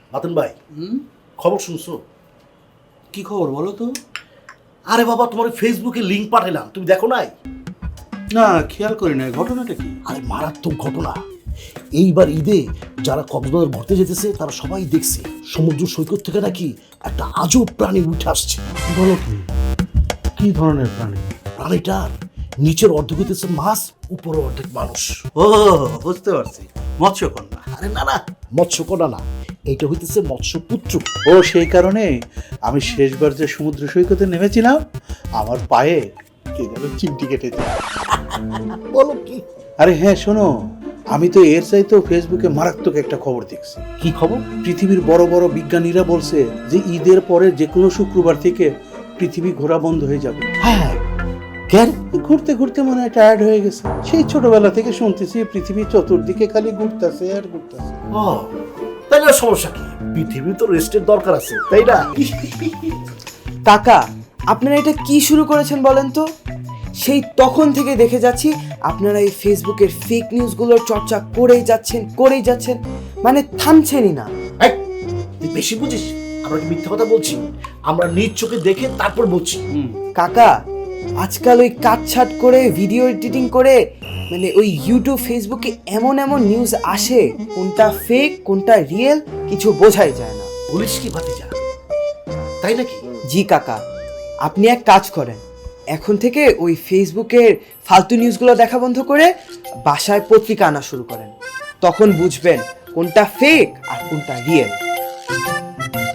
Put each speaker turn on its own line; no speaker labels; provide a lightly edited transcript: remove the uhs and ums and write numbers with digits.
বাতেন ভাই, খবর শুনছো?
কি খবর বলো তো?
আরে বাবা, তোমার ফেসবুকে লিঙ্ক পাঠালাম, তুমি দেখো নাই?
না, খেয়াল করি না। ঘটনাটা কি?
আরে মারাত্মক ঘটনা। এইবার ঈদে যারা কক্সবাজার ঘুরতে যেতেছে তারা সবাই দেখছে সমুদ্র সৈকত থেকে নাকি একটা আজব প্রাণী উঠে আসছে।
বলো কি? কি ধরনের প্রাণী?
প্রাণীটার নিচের অর্ধেক হইতেছে মাছ, উপরে অর্ধেক মানুষ।
ও, বুঝতে পারছি, মৎস্যকন্যা।
আরে না না, মৎস্যকন্যা না, এইটা হইতেছে মৎস্যপুত্র।
ও, সেই কারণে আমি শেষবার যে সমুদ্র সৈকতে নেমেছিলাম আমার পায়ে কে যেন চিমটি কেটেছে।
বলো কি?
আরে হ্যাঁ, শোনো, আমি তো এর চাইতেও ফেসবুকে মারাত্মক একটা খবর দেখছি।
কি খবর?
পৃথিবীর বড় বড় বিজ্ঞানীরা বলছে যে ঈদের পরে যে কোনো শুক্রবার থেকে পৃথিবী ঘোরা বন্ধ হয়ে যাবে।
হ্যাঁ, কেন?
ঘুরতে ঘুরতে মনে হয় টায়ার্ড হয়ে গেছে। সেই ছোটবেলা থেকে শুনতেছি পৃথিবী চতুর্দিকে খালি ঘুরতেছে আর ঘুরতেছে।
ও, তাইলে আর সমস্যা কি? পৃথিবীর তো রেস্টের দরকার আছে, তাই না?
কাকা, আপনারা এটা কি শুরু করেছেন বলেন তো? সেই তখন থেকে দেখে যাচ্ছি আপনারা এই ফেসবুকের ফেক নিউজগুলোর চর্চা করেই যাচ্ছেন, মানে থামছেনই না।
এই, তুই বেশি বুঝিস? আমরা কি মিথ্যা কথা বলছি? আমরা নিজ চোখে দেখে তারপর বলছি।
কাকা, আজকাল ওই কাটছাট করে ভিডিও এডিটিং করে মানে ওই ইউটিউব ফেসবুকে এমন এমন নিউজ আসে, কোনটা ফেক কোনটা রিয়েল কিছু বোঝাই যায় না।
বলিস কি ভাতিজা, তাই নাকি?
জি কাকা, আপনি এক কাজ করেন, এখন থেকে ওই ফেসবুকের ফালতু নিউজগুলো দেখা বন্ধ করে বাসায় পত্রিকা আনা শুরু করেন, তখন বুঝবেন কোনটা ফেক আর কোনটা রিয়েল।